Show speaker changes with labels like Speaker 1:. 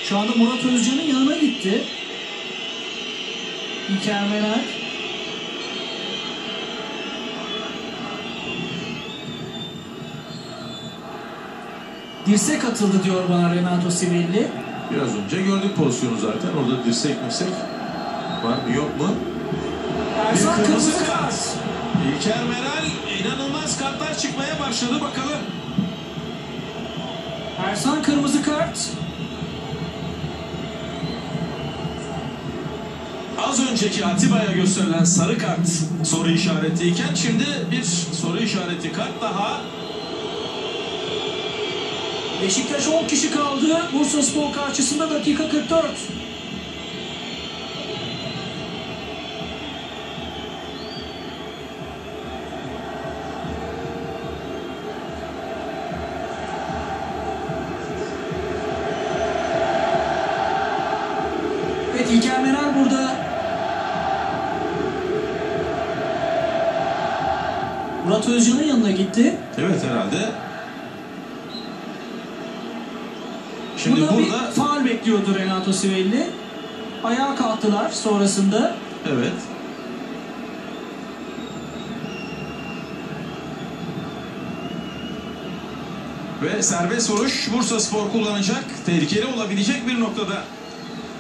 Speaker 1: Şu anda Murat Özcan'ın yanına gitti. İlker Meral. Dirsek atıldı diyor bana Renato Sivelli.
Speaker 2: Biraz önce gördük pozisyonu zaten. Orada dirsek var mı yok mu?
Speaker 1: Ersan kırmızı kart.
Speaker 2: İlker Meral, inanılmaz kartlar çıkmaya başladı, bakalım.
Speaker 1: Ersan kırmızı kart.
Speaker 2: Az önceki Atiba'ya gösterilen sarı kart soru işaretiyken şimdi bir soru işareti kart daha.
Speaker 1: Beşiktaş 10 kişi kaldı. Bursaspor karşısında dakika 44. Evet, İlker Meral burada. Murat Özcan'ın yanına gitti.
Speaker 2: Evet, herhalde. Şimdi
Speaker 1: Burada bir
Speaker 2: burada
Speaker 1: faul bekliyordu Renato Sivelli. Ayağa kalktılar sonrasında.
Speaker 2: evet. Ve serbest vuruş Bursaspor kullanacak. Tehlikeli olabilecek bir noktada.